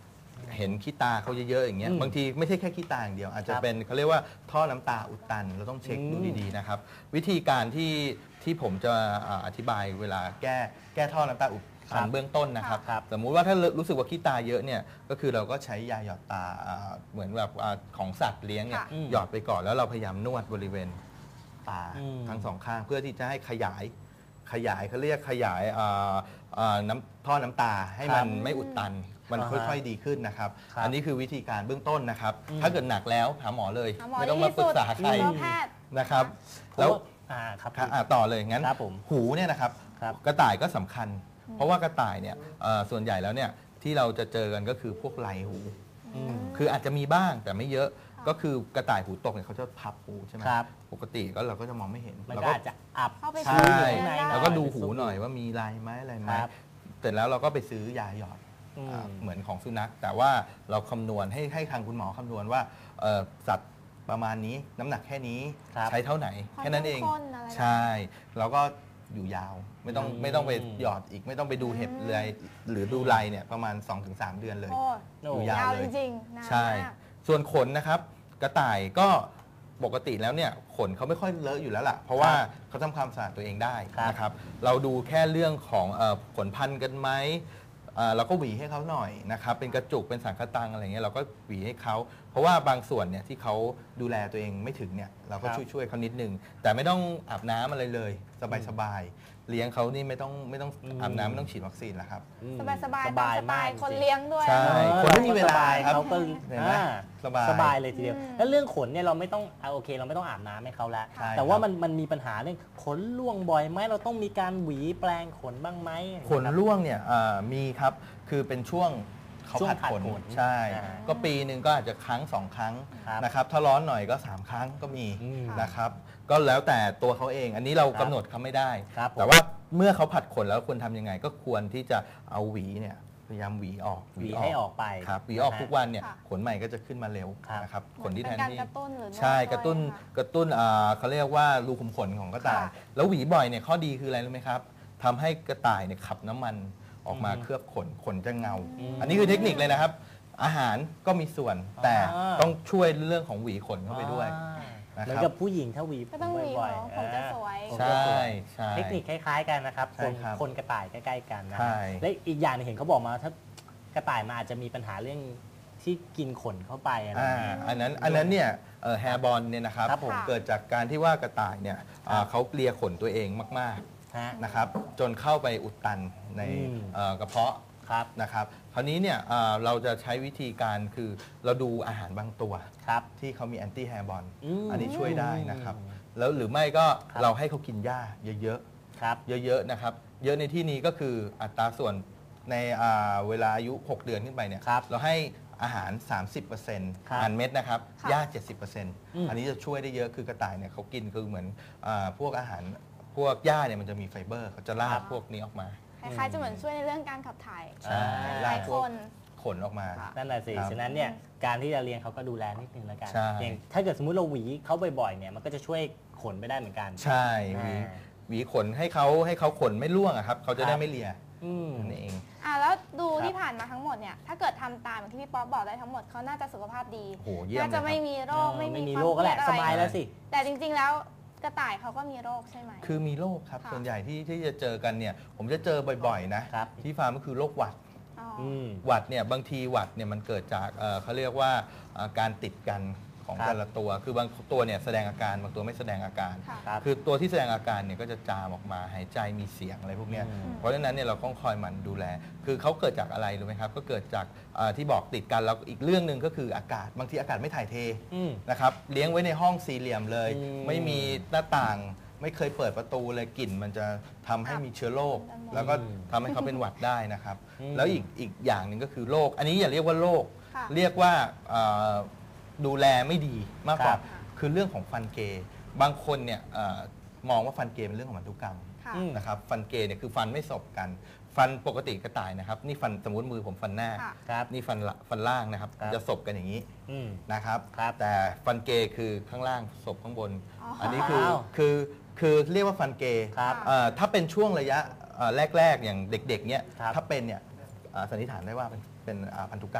[SPEAKER 2] เห็นขี้ตาเขาเยอะๆอย่างเงี้ย
[SPEAKER 1] อืม
[SPEAKER 2] บางทีไม่ใช่แค่ขี้ตาอย่างเดียว อาจจะ
[SPEAKER 1] ครับ
[SPEAKER 2] เป็นเขาเรียกว่าท่อน้ำตาอุดตันเราต้องเช็ค
[SPEAKER 1] อืม
[SPEAKER 2] ดูดีๆนะครับวิธีการที่ที่ผมจะอ่าอธิบายเวลาแก้แก้ท่อน้ำตาอุดตันเบื้องต้นนะครับ
[SPEAKER 1] ครับ
[SPEAKER 2] สมมุติว่าถ้ารู้สึกว่าขี้ตาเยอะเนี่ยก็คือเราก็ใช้ยาหยอดตาอ่าเหมือนแบบอ่าของสัตว์เลี้ยงเนี่ย
[SPEAKER 3] ค่ะ
[SPEAKER 1] อืม
[SPEAKER 2] หยอดไปก่อนแล้วเราพยายามนวดบริเวณตา
[SPEAKER 1] อืม
[SPEAKER 2] ทั้งสองข้างเพื่อที่จะให้ขยายขยายเขาเรียกขยายอ่าอ่าน้ำท่อน้ำตาให้มันไม่อุดตัน มัน
[SPEAKER 1] อ่าฮะ
[SPEAKER 2] ค่อยๆดีขึ้นนะครับ
[SPEAKER 1] ครับ
[SPEAKER 2] อันนี้คือวิธีการเบื้องต้นนะครับ
[SPEAKER 1] อืม
[SPEAKER 2] ถ้าเกิดหนักแล้วหาหมอเลย
[SPEAKER 3] หาหมอ
[SPEAKER 2] ไม่ต้อง
[SPEAKER 3] ดี
[SPEAKER 2] มา
[SPEAKER 3] ที่
[SPEAKER 2] ปรึ
[SPEAKER 3] สุ
[SPEAKER 2] ก
[SPEAKER 3] ด
[SPEAKER 2] ษาใคร
[SPEAKER 3] สัตวแพทย์
[SPEAKER 2] นะครับ
[SPEAKER 1] เพ
[SPEAKER 2] แล้ว
[SPEAKER 1] ราะว่าอ่าครับ
[SPEAKER 2] ครับอ่ะต่อเลยงั้น
[SPEAKER 1] ครับผม
[SPEAKER 2] หูเนี่ยนะครับ
[SPEAKER 1] ครับ
[SPEAKER 2] กระต่ายก็สำคัญ เพราะว่ากระต่ายเนี่ยเอ่อส่วนใหญ่แล้วเนี่ยที่เราจะเจอกันก็คือพวกไหลหู
[SPEAKER 1] อืม
[SPEAKER 2] คืออาจจะมีบ้างแต่ไม่เยอะก็คือกระต่ายหูตกเนี่ยเขาจะพับหูใช่ไหม
[SPEAKER 1] ครับ
[SPEAKER 2] ปกติก็เราก็จะมองไม่เห็น
[SPEAKER 1] มัน
[SPEAKER 2] เรา
[SPEAKER 1] ก็อาจจะอับ
[SPEAKER 3] เข้าไป
[SPEAKER 2] ใช่
[SPEAKER 3] ซื้ออยู่ข้างใน
[SPEAKER 2] แล้วก็ดูหูหน่อยว่ามีลายไหมอะไรไหม
[SPEAKER 1] ครับ
[SPEAKER 2] เสร็จแล้วเราก็ไปซื้อยาหยอด
[SPEAKER 1] อืม
[SPEAKER 2] อ่าเหมือนของสุนัข แต่ว่าเราคำนวณให้ให้ทางคุณหมอคำนวณว่าเอ่อสัตว์ประมาณนี้น้ำหนักแค่นี้
[SPEAKER 1] ครับ
[SPEAKER 2] ใช้เท่าไหน
[SPEAKER 3] ความ
[SPEAKER 2] แค่นั้นเอง
[SPEAKER 3] เข้มข้นอะไรแบบ
[SPEAKER 2] ใช่แล้วก็อยู่ยาวไม่ต้อง
[SPEAKER 1] อืม
[SPEAKER 2] ไม่ต้องไปหยอดอีก ไม่ต้องไปดูเห็บเลยหรือดูลายเนี่ยประมาณ สองถึงสาม เดือนเลย
[SPEAKER 3] โอ้
[SPEAKER 1] โอ้
[SPEAKER 2] อยู่ยาว
[SPEAKER 3] ยาว
[SPEAKER 2] เล
[SPEAKER 3] จ
[SPEAKER 2] ย
[SPEAKER 3] ริงๆนาน
[SPEAKER 2] ใช่
[SPEAKER 3] มาก
[SPEAKER 2] ส่วนขนนะครับ กระต่ายก็ปกติแล้วเนี่ยขนเขาไม่ค่อยเลอะอยู่แล้วล่ะ เพราะว่าเขาทำความสะอาดตัวเองได้
[SPEAKER 1] ครับ
[SPEAKER 2] นะครับ เราดูแค่เรื่องของเอ่อขนพันกันไหมเอ่อเราก็หวีให้เขาหน่อยนะครับ เป็นกระจุกเป็นสังคตังอะไรเงี้ยเราก็หวีให้เขาเพราะว่าบางส่วนเนี่ยที่เขาดูแลตัวเองไม่ถึงเนี่ยเราก็
[SPEAKER 1] ครับ
[SPEAKER 2] ช่วยช่วยๆเขานิดนึง แต่ไม่ต้องอาบน้ำอะไรเลย สบายๆเลี้ยงเขานี่ไม่ต้องไม่ต้อง
[SPEAKER 1] อืม
[SPEAKER 2] อาบน้ำไม่ต้องฉีดวัคซีนแล้วครับ
[SPEAKER 1] อืม
[SPEAKER 3] สบายสบาย
[SPEAKER 1] ส
[SPEAKER 3] ตาม
[SPEAKER 1] บาย
[SPEAKER 3] สไต
[SPEAKER 1] มาก
[SPEAKER 3] ล์คน
[SPEAKER 1] จริงๆ
[SPEAKER 3] เลี้ยงด้วย
[SPEAKER 2] ใช่
[SPEAKER 1] เออ
[SPEAKER 2] คนไม่มีเวลา
[SPEAKER 1] สบย
[SPEAKER 2] ครับ
[SPEAKER 1] เขาก็
[SPEAKER 2] เห็นไหม
[SPEAKER 1] อ่า
[SPEAKER 2] สบาย
[SPEAKER 1] สบายเลยทีเดียว
[SPEAKER 3] อืม
[SPEAKER 1] แล้วเรื่องขนเนี่ยเราไม่ต้องอ่ะโอเค เราไม่ต้องอาบน้ำให้เขาแล้ว
[SPEAKER 2] ใช่
[SPEAKER 1] แต่ว่า
[SPEAKER 2] ครับ
[SPEAKER 1] มันมันมีปัญหาเรื่องขนร่วงบ่อยไหมเราต้องมีการหวีแปลงขนบ้างไหม
[SPEAKER 2] ขนร่วงเนี่ยเอ่อมีครับ คือเป็นช่วงเขา
[SPEAKER 1] ช่วง
[SPEAKER 2] ผัด
[SPEAKER 1] ผัด
[SPEAKER 2] ขน
[SPEAKER 1] ขน
[SPEAKER 2] ใช่
[SPEAKER 1] อ่า
[SPEAKER 2] ก็ปีหนึ่งก็อาจจะครั้งสองครั้ง
[SPEAKER 1] ครับ
[SPEAKER 2] นะครับ ถ้าร้อนหน่อยก็ สาม ครั้งก็มี
[SPEAKER 1] อืม
[SPEAKER 2] นะครับ ก็แล้วแต่ตัวเขาเอง อันนี้เรา
[SPEAKER 1] ครับ
[SPEAKER 2] กำหนดเขาไม่ได้
[SPEAKER 1] ครับผม
[SPEAKER 2] แต่ว่าเมื่อเขาผัดขนแล้วควรทำยังไง ก็ควรที่จะเอาหวีเนี่ยพยายามหวีออก
[SPEAKER 1] หวีให้ออกไป
[SPEAKER 2] ครับหวีออก
[SPEAKER 1] นะฮะ
[SPEAKER 2] ทุกวันเนี่ย
[SPEAKER 3] ค่ะ
[SPEAKER 2] ขนใหม่ก็จะขึ้นมาเร็ว
[SPEAKER 1] ครับ
[SPEAKER 2] นะครับขน
[SPEAKER 3] เหมื
[SPEAKER 2] ที่
[SPEAKER 3] อน
[SPEAKER 2] แท
[SPEAKER 3] เป็น
[SPEAKER 2] น
[SPEAKER 3] การ
[SPEAKER 2] ที่
[SPEAKER 3] กระตุ้นหรือนวด
[SPEAKER 2] ใช่
[SPEAKER 3] ด้วย
[SPEAKER 2] กระตุ้น
[SPEAKER 3] ค่ะ
[SPEAKER 2] กระตุ้นอ่าเขาเรียกว่ารูขุมขนของกระต่าย
[SPEAKER 3] ค่ะ
[SPEAKER 2] แล้วหวีบ่อยเนี่ยข้อดีคืออะไรรู้ไหมครับทำให้กระต่ายเนี่ยขับน้ำมันออกมา
[SPEAKER 1] อืม
[SPEAKER 2] เคลือบขนขนจะเงา
[SPEAKER 1] อืม
[SPEAKER 2] อันนี้คือเทคนิคเลยนะครับ อาหารก็มีส่วน แต่
[SPEAKER 1] อ่า
[SPEAKER 2] ต้องช่วยเรื่องของหวีขนเข้าไปด้วย
[SPEAKER 1] อ่า
[SPEAKER 2] นะครับ
[SPEAKER 1] เหมือนกับผู้หญิงถ้าหวี
[SPEAKER 3] ก็ต้องหวี
[SPEAKER 1] บ่อย
[SPEAKER 3] เขา
[SPEAKER 1] ๆ
[SPEAKER 3] ผมจะ
[SPEAKER 1] อ่า
[SPEAKER 3] สวย
[SPEAKER 1] ผม
[SPEAKER 2] ใช
[SPEAKER 1] จะสว่ ย
[SPEAKER 2] ใช่
[SPEAKER 1] เทคนิคคล้ายๆกันนะครับ
[SPEAKER 2] ใช่
[SPEAKER 1] คน
[SPEAKER 2] ครับ
[SPEAKER 1] คนกระต่ายใกล้ๆกันนะ
[SPEAKER 2] ใช่
[SPEAKER 1] และอีกอย่างหนึงเห็นเขาบอกมาถ้ากระต่ายมันอาจจะมีปัญหาเรื่องที่กินขนเข้าไปอะไรอ
[SPEAKER 2] อ่า
[SPEAKER 1] ย่างเงี้ย
[SPEAKER 2] อันนั้นอันนั้นเนี่ยแฮร์บอลเนี่ยนะครับ
[SPEAKER 1] ครับผม
[SPEAKER 2] เกิดจากการที่ว่ากระต่ายเนี่ยอ่า
[SPEAKER 1] ครับ
[SPEAKER 2] เขาเกลียขนตัวเองมาก
[SPEAKER 1] ฮะ
[SPEAKER 2] ๆนะครับจนเข้าไปอุดตันใน
[SPEAKER 1] อืม
[SPEAKER 2] เอ่อกระเพาะ
[SPEAKER 1] ครับ
[SPEAKER 2] นะครับคราวนี้เนี่ยเอ่อเราจะใช้วิธีการคือเราดูอาหารบางตัว
[SPEAKER 1] ครับ
[SPEAKER 2] ที่เขามีแอนตี้แฮร์บอล
[SPEAKER 1] อืม
[SPEAKER 2] อันนี้ช่วยได้นะครับแล้วหรือไม่ก็
[SPEAKER 1] ครับ
[SPEAKER 2] เราให้เขากินหญ้าเยอะ
[SPEAKER 1] ครับ
[SPEAKER 2] ๆเยอะๆนะครับเยอะในที่นี้ก็คืออัตราส่วนในอ่าเวลาอายุ หก เดือนขึ้นไปเนี่ย
[SPEAKER 1] ครับ
[SPEAKER 2] เราให้อาหาร สามสิบเปอร์เซ็นต์
[SPEAKER 1] ครับ
[SPEAKER 2] อาหารเม็ดนะครับ
[SPEAKER 3] ค่ะ
[SPEAKER 2] หญ้า เจ็ดสิบเปอร์เซ็นต์
[SPEAKER 1] อืม
[SPEAKER 2] อันนี้จะช่วยได้เยอะคือกระต่ายเนี่ยเขากินคือเหมือนอาพวกอาหารพวกหญ้าเนี่ยมันจะมีไฟเบอร์เขาจะลา
[SPEAKER 1] ครั
[SPEAKER 2] ก
[SPEAKER 1] บ
[SPEAKER 2] พวกนี้ออกมา
[SPEAKER 3] คล้ายๆจะเหมือนช่วยในเรื่องการขับถ่าย
[SPEAKER 2] ใช่
[SPEAKER 1] อ่า
[SPEAKER 3] หลาย
[SPEAKER 2] พ
[SPEAKER 3] คว
[SPEAKER 2] ก
[SPEAKER 3] น
[SPEAKER 2] ขนออกมา
[SPEAKER 3] ค่ะ
[SPEAKER 1] นั่นแหละสิ
[SPEAKER 2] ครับ
[SPEAKER 1] ฉะนั้นเนี่ยการที่จะเลี้ยงเขาก็ดูแลนิดนึงแล้วกัน
[SPEAKER 2] ใช่
[SPEAKER 1] อย่างถ้าเกิดสมมุติเราหวีเขาบ่อยๆเนี่ยมันก็จะช่วยขนไปได้เหมือนกัน
[SPEAKER 2] ใช่หวี
[SPEAKER 1] อ่า
[SPEAKER 2] หวีขนให้เขาให้เขาขนไม่ร่วงอะครับเขาจะ
[SPEAKER 1] ค
[SPEAKER 2] ได้
[SPEAKER 1] รับ
[SPEAKER 2] ไม่เลีย
[SPEAKER 1] อืม
[SPEAKER 3] 嗯
[SPEAKER 2] นั่นเอง
[SPEAKER 3] อ่ะแล้วดู
[SPEAKER 1] ครับ
[SPEAKER 3] ที่ผ่านมาทั้งหมดเนี่ยถ้าเกิดทำตามอย่างที่พี่ป๊อปบอกได้ทั้งหมดเขาน่าจะสุขภาพดี
[SPEAKER 2] โอ้โหเยี่ยม
[SPEAKER 3] น่าจะ
[SPEAKER 2] เลยครับ
[SPEAKER 3] ไม่มีโรค
[SPEAKER 1] เออ
[SPEAKER 3] ไม่
[SPEAKER 1] ไม่มี
[SPEAKER 3] ความ
[SPEAKER 1] โรคก็แหละ
[SPEAKER 3] เค
[SPEAKER 1] ส
[SPEAKER 3] รียด
[SPEAKER 1] บาย
[SPEAKER 3] อะไร
[SPEAKER 1] แล้วสิ
[SPEAKER 3] แต่จริงๆแล้วกระต่ายเขาก็มีโรคใช่ไหม
[SPEAKER 2] คือมีโรคครับ
[SPEAKER 3] ค่ะ
[SPEAKER 2] ส่วนใหญ่ที่ที่จะเจอกันเนี่ยผมจะเจอบ่อยๆนะครับ ที่ฟาร์มก็คือโรคหวัด
[SPEAKER 3] อ๋ออ
[SPEAKER 1] อืม
[SPEAKER 2] หวัดเนี่ยบางทีหวัดเนี่ยมันเกิดจากเอ่อเขาเรียกว่าเอ่อการติดกันของ
[SPEAKER 1] ครับ
[SPEAKER 2] แต่ละตัว คือบางตัวเนี่ยแสดงอาการบางตัวไม่แสดงอาการ
[SPEAKER 3] ค่ะ
[SPEAKER 1] ครับ
[SPEAKER 2] คือตัวที่แสดงอาการเนี่ยก็จะจามออกมาหายใจมีเสียงอะไรพวกเนี้ย
[SPEAKER 1] อืม
[SPEAKER 2] เพราะฉะนั้นเนี่ยเราต้องคอยหมันดูแล คือเขาเกิดจากอะไรรู้ไหมครับก็เกิดจากเอ่อที่บอกติดกันแล้วอีกเรื่องหนึ่งก็คืออากาศบางทีอากาศไม่ถ่ายเท
[SPEAKER 1] อืม
[SPEAKER 2] นะครับเลี้ยงไว้ในห้องสี่เหลี่ยมเลย
[SPEAKER 1] อืม
[SPEAKER 2] ไม่มีหน้าต่างไม่เคยเปิดประตูเลยกลิ่นมันจะทำให้มีเชื้อโรค
[SPEAKER 3] อืม
[SPEAKER 2] แล้วก็ทำให้เขาเป็นหวัดได้นะครับ
[SPEAKER 1] อืม
[SPEAKER 2] แล้วอีกอีกอย่างหนึ่งก็คือโรคอันนี้อย่าเรียกว่าโรค
[SPEAKER 3] ค่ะ
[SPEAKER 2] เรียกว่าเอ่อดูแลไม่ดีมากกว่า
[SPEAKER 1] ครับ
[SPEAKER 2] คือเรื่องของฟันเกย์บางคนเนี่ยเอ่อมองว่าฟันเกย์เป็นเรื่องของพันธุกรรม
[SPEAKER 3] ค่ะ
[SPEAKER 1] อืม
[SPEAKER 2] นะครับฟันเกย์เนี่ยคือฟันไม่สบกัน ฟันปกติกระต่ายนะครับนี่ฟันสมมติมือผมฟันหน้า
[SPEAKER 3] ค่ะ
[SPEAKER 1] ครับ
[SPEAKER 2] นี่ฟันละฟันล่างนะครับ
[SPEAKER 1] ครับ
[SPEAKER 2] จะสบกันอย่างนี้
[SPEAKER 1] อืม
[SPEAKER 2] นะครับ
[SPEAKER 1] ครับ
[SPEAKER 2] แต่ฟันเกย์คือข้างล่างศพข้างบน
[SPEAKER 3] อ๋ออั
[SPEAKER 2] อันนี้คือ
[SPEAKER 1] อ้าว
[SPEAKER 2] คือคือเรียกว่าฟันเกย์
[SPEAKER 1] ครับ
[SPEAKER 2] เอ่อถ้าเป็นช่วงระยะเอ่อแรก ๆ อย่างเด็กๆเนี่ย
[SPEAKER 1] ครับ
[SPEAKER 2] ถ้าเป็นเนี่ยเอ่อสันนิษฐานได้ว่าเป็นเป็นอ่าพันธุกรรม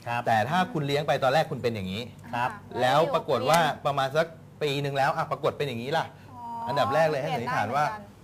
[SPEAKER 1] ครับ
[SPEAKER 2] แต่ถ้าคุณเลี้ยงไปตอนแรกคุณเป็นอย่างนี้
[SPEAKER 1] ครับ
[SPEAKER 3] ค่ะ
[SPEAKER 2] แล้วปรากฏว่า
[SPEAKER 3] เปลี่ยน
[SPEAKER 2] ประมาณสักปีหนึ่งแล้วอ่ะปรากฏเป็นอย่างนี้ล่ะ
[SPEAKER 3] อ๋อ
[SPEAKER 2] อันดับแรกเลยให้
[SPEAKER 3] ป
[SPEAKER 2] สัน
[SPEAKER 3] ลี่
[SPEAKER 2] นิ
[SPEAKER 3] ย
[SPEAKER 2] ษฐานว่า
[SPEAKER 3] ได้เหมือนกัน